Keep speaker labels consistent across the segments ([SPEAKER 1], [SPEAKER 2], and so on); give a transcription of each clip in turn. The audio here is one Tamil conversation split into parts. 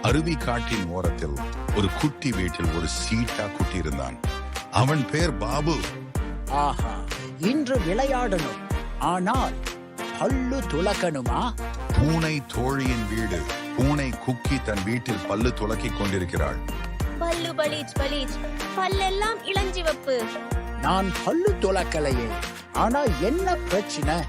[SPEAKER 1] அருவி காட்டின் ஓரத்தில் ஒரு குட்டி வீட்டில் ஒரு சீட்டா குட்டி இருந்தான். அவன் பேர் பாபு.
[SPEAKER 2] ஆஹா, இன்று விளையாடணும். ஆனால் பல்லு துலக்கணுமா?
[SPEAKER 1] பூனை தோழியின் வீடு. பூனை குக்கி தன் வீட்டில் பல்லு துலக்கிக் கொண்டிருக்கிறாள்.
[SPEAKER 3] பல்லு பலீச் பலீச், பல்லெல்லாம் இளஞ்சிவப்பு.
[SPEAKER 2] நான் பல்லு துலக்கலையே, ஆனா என்ன பிரச்சனை?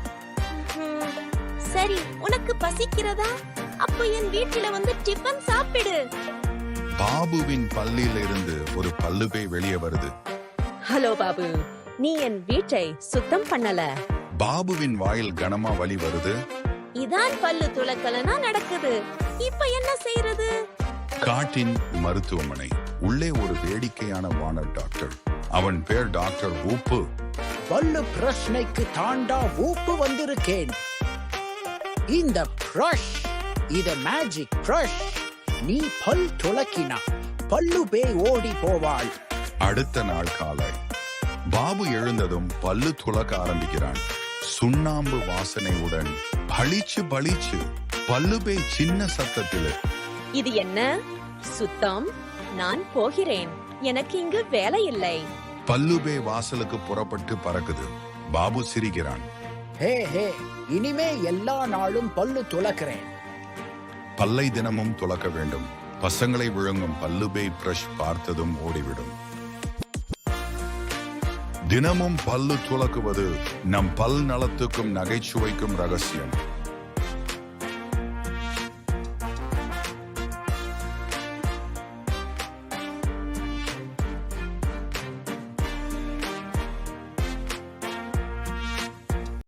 [SPEAKER 3] சரி, உனக்கு பசிக்கிறதா? அப்போ என் வீட்டில வந்து டிஃபன் சாப்பிடு.
[SPEAKER 1] பாபுவின் பல்லில் இருந்து ஒரு பல்லுபை வெளியே வருது.
[SPEAKER 4] ஹலோ பாபு, நீ என் வீட்டை சுத்தம் பண்ணல.
[SPEAKER 1] பாபுவின் வாயில் கனமா வலி வருது.
[SPEAKER 3] இதான் பல்லு துலக்கலனா நடக்குது. இப்ப என்ன செய்யறது?
[SPEAKER 1] காட்டின் மருத்துவமனை. உள்ளே ஒரு வேடிக்கையான வானர் டாக்டர். அவன் பேர் டாக்டர் ஊப்பு.
[SPEAKER 2] பல்லு பிரச்சனைக்கு தாண்டா ஊப்பு வந்திருக்கேன். இந்த பிரஷ், இது மேஜிக் பிரஷ். நீ பல் துலக்கினா பல்லு பேய் ஓடி போவாள்.
[SPEAKER 1] அடுத்த நாள் காலை பாபு எழுந்ததும் பல்லு துலக்க ஆரம்பிக்கிறான். சுண்ணாம்பு வாசனையுடன் பளிச்சு பளிச்சு பல்லுபே சின்ன சத்தத்தில்.
[SPEAKER 4] இது என்ன சுத்தம்? நான் போகிறேன், எனக்கு இங்கு வேலை இல்லை.
[SPEAKER 1] பல்லுபே வாசலுக்கு புறப்பட்டு பறக்குது. பாபு சிரிக்கிறான்.
[SPEAKER 2] ஹே ஹே, இனிமே எல்லா நாளும் பல்லு துலக்கிறேன்.
[SPEAKER 1] பல்லை தினமும் துலக்க வேண்டும். பசங்களை விழுங்கும் பல்லுபே பிரஷ் பார்த்ததும் ஓடிவிடும். தினமும் பல்லு துலக்குவது நம் பல் நலத்துக்கும் நகைச்சுவைக்கும் ரகசியம்.